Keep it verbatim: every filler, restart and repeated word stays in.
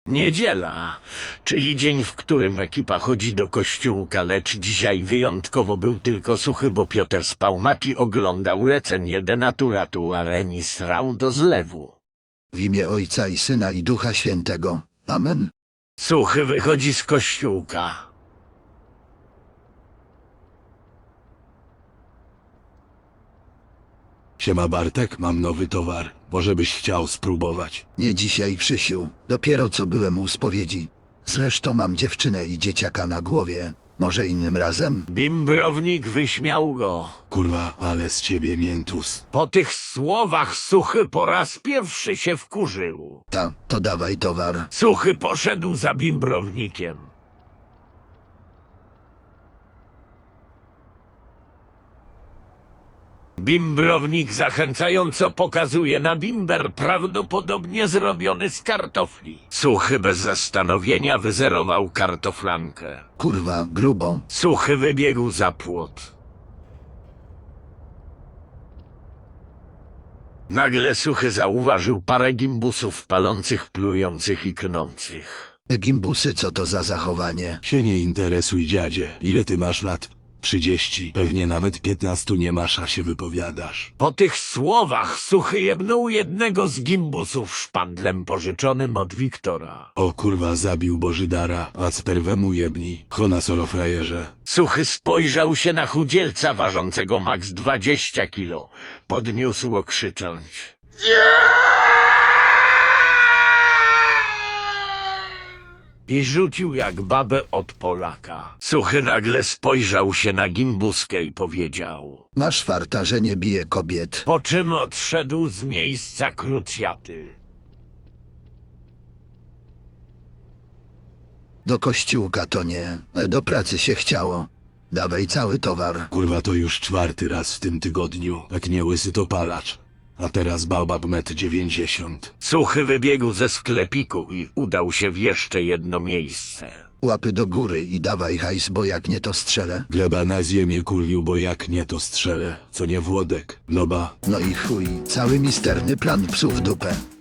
Niedziela, czyli dzień, w którym ekipa chodzi do kościółka, lecz dzisiaj wyjątkowo był tylko suchy, bo Piotr spał, Mati oglądał recenię denaturatu, a Remi srał do zlewu. W imię Ojca i Syna i Ducha Świętego. Amen. Suchy wychodzi z kościółka. Siema Bartek, mam nowy towar. Może byś chciał spróbować? Nie dzisiaj, Krzysiu. Dopiero co byłem u spowiedzi. Zresztą mam dziewczynę i dzieciaka na głowie. Może innym razem? Bimbrownik wyśmiał go. Kurwa, ale z ciebie miętus. Po tych słowach Suchy po raz pierwszy się wkurzył. Ta, to dawaj towar. Suchy poszedł za bimbrownikiem. Bimbrownik zachęcająco pokazuje na bimber, prawdopodobnie zrobiony z kartofli. Suchy bez zastanowienia wyzerował kartoflankę. Kurwa, grubo. Suchy wybiegł za płot. Nagle Suchy zauważył parę gimbusów palących, plujących i knących. Gimbusy, co to za zachowanie? Się nie interesuj, dziadzie. Ile ty masz lat? Trzydzieści. Pewnie nawet piętnastu nie masz, a się wypowiadasz. Po tych słowach Suchy jebnął jednego z gimbusów szpandlem pożyczonym od Wiktora. O kurwa, zabił Bożydara, a sperwemu jebni. Chona solo frajerze. Suchy spojrzał się na chudzielca ważącego maks dwadzieścia kilo. Podniósł krzycząc. I rzucił jak babę od Polaka. Suchy nagle spojrzał się na gimbuskę i powiedział. Masz farta, że nie bije kobiet. Po czym odszedł z miejsca krucjaty. Do kościółka to nie. Do pracy się chciało. Dawaj cały towar. Kurwa, to już czwarty raz w tym tygodniu. Jak nie łysy, to palacz. A teraz babab metr dziewięćdziesiąt. Suchy wybiegł ze sklepiku i udał się w jeszcze jedno miejsce. Łapy do góry i dawaj hajs, bo jak nie to strzelę. Gleba na ziemię kurwił, bo jak nie to strzelę. Co nie Włodek? No ba. No i chuj, cały misterny plan psów w dupę.